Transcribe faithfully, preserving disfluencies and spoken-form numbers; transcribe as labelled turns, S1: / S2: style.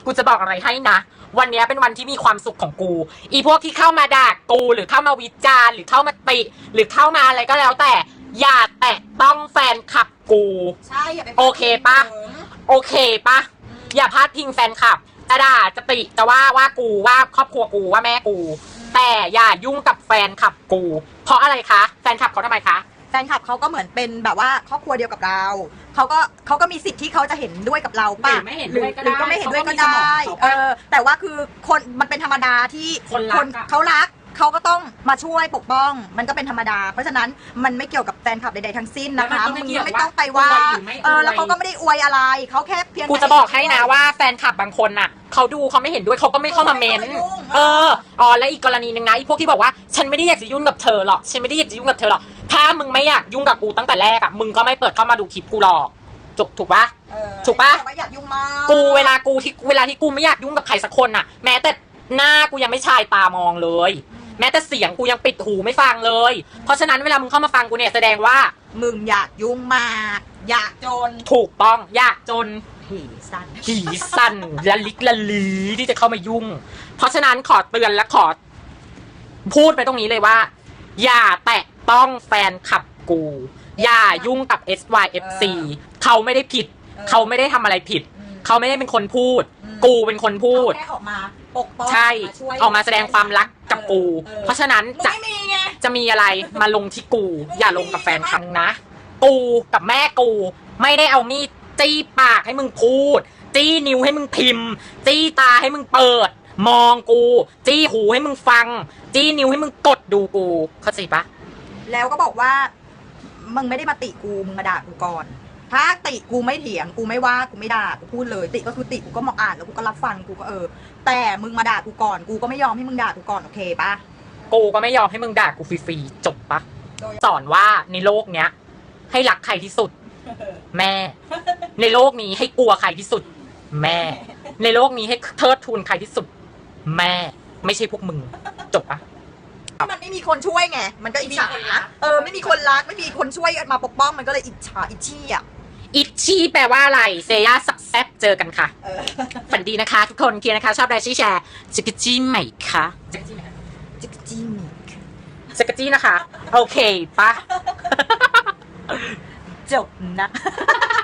S1: กูจะบอกอะไรให้นะวันนี้เป็นวันที่มีความสุขของกูอีพวกที่เข้ามาด่ากูหรือเข้ามาวิจารณ์หรือเข้ามาติหรือเข้ามาอะไรก็แล้วแต่อย่าแตะต้องแฟนคลับกู
S2: ใช่อย่าไป
S1: โอเคปะโอเคปะอย่าพลาดพิงแฟนคลับจะด่าจะติจะว่าว่ากูว่าครอบครัวกูว่าแม่กูแต่อย่ายุ่งกับแฟนคลับกูเพราะอะไรคะแฟนคลับเขาทำไมคะ
S2: แฟนคลับเขาก็เหมือนเป็นแบบว่าครอบครัวเดียวกับเราเขาก็เขาก็มีสิทธิ์ที่เขาจะเห็นด้วยกับเราป่ะ
S1: หรือไม่เห็นด้วยก็ได้
S2: หรือก็ไม่เห็นด้วยก็ได้เออแต่ว่าคือคนมันเป็นธรรมดาที่
S1: คนรัก
S2: เขารักเขาก็ต้องมาช่วยปกป้องมันก็เป็นธรรมดาเพราะฉะนั้นมันไม่เกี่ยวกับแฟนคลับใดๆทั้งสิ้นนะคะมึงไม่ต้องไปว่าเออแล้วเขาก็ไม่ได้อวยอะไรเขาแค่เพียง
S1: กูจะบอกให้นะว่าแฟนคลับบางคนน่ะเขาดูเขาไม่เห็นด้วยเขาก็ไม่เข้ามาเมนเอออ๋อและอีกกรณีหนึ่งนะอีพวกที่บอกว่าฉันไม่ได้อยากจะยุ่งกับเธอหรอกฉันไม่ได้อยากจะยุ่งกับเธอหรอกถ้ามึงไม่อยากยุ่งกับกูตั้งแต่แรกอะมึงก็ไม่เปิดเข้ามาดูคลิปกูหรอกถูกถูกปะถูกปะ
S2: อยากยุ่งมาก
S1: กูเวลากูที่เวลาที่กูไม่อยากยุ่งกับใครสักคนน่ะแม้แต่หน้ากูยังไม่ชายตามองเลยแม้แต่เสียงกูยังปิดหูไม่ฟังเลยเพราะฉะนั้นเวลามึงเข้ามาฟังกูเนี่ยแสดงว่า
S2: มึงอยากยุ่งมากอยากจน
S1: ถูกต้องอยากจน
S2: หีสั้น
S1: หีสั้นละลิกละลีที่จะเข้ามายุ่งเพราะฉะนั้นขอเตือนและขอพูดไปตรงนี้เลยว่าอย่าแตะต้องแฟนคลับกูอย่ายุ่งกับ เอส วาย เอฟ ซี เขาไม่ได้ผิดเขาไม่ได้ทำอะไรผิดเขาไม่ได้เป็นคนพูดกูเป็นคนพูด
S2: แค่ออกมาปกป้อง
S1: ใช่ออกมาแสดงความรักกับกูเพราะฉะนั้นจะจะมีอะไรมาลงที่กูอย่าลงกับแฟนคลับนะกูกับแม่กูไม่ได้เอามีดจี้ปากให้มึงพูดจี้นิ้วให้มึงพิมพ์จี้ตาให้มึงเปิดมองกูจี้หูให้มึงฟังจี้นิ้วให้มึงกดดูกูเข้าใจปะ
S2: แล้วก็บอกว่ามึงไม่ได้มาติกูมึงมาด่ากูก่อนถ้าติกูไม่เถียงกูไม่ว่ากูไม่ด่ากูพูดเลยติก็คือติกูก็มองอ่านแล้วกูก็รับฟังกูก็เออแต่มึงมาด่ากูก่อนกูก็ไม่ยอมให้มึงด่ากูก่อนโอเคปะ
S1: กูก็ไม่ยอมให้มึงด่ากูฟรีๆจบปะสอนว่าในโลกเนี้ยให้รักใครที่สุดแม่ในโลกนี้ให้กลัวใครที่สุดแม่ในโลกนี้ให้เทิดทูนใครที่สุดแม่ไม่ใช่พวกมึงจบปะ
S2: มันไม่มีคนช่วยไงมันก็อิจฉาเออไม่มีคนรักไม่มีคนช่วยมาปกป้องมันก็เลยอิจฉาอิจฉี่อ่ะ
S1: อิชชี่แปลว่าอะไรเซย่าสักแซบเจอกันค่ะฝันดีนะคะทุกคนเคลียร์นะคะชอบไดชี่แชร์จิกจี้ใหม่ค่ะ
S2: จิกจี้ไหมจิกจี้มิก
S1: จิกจี้นะคะโอเคปะ
S2: จบนะ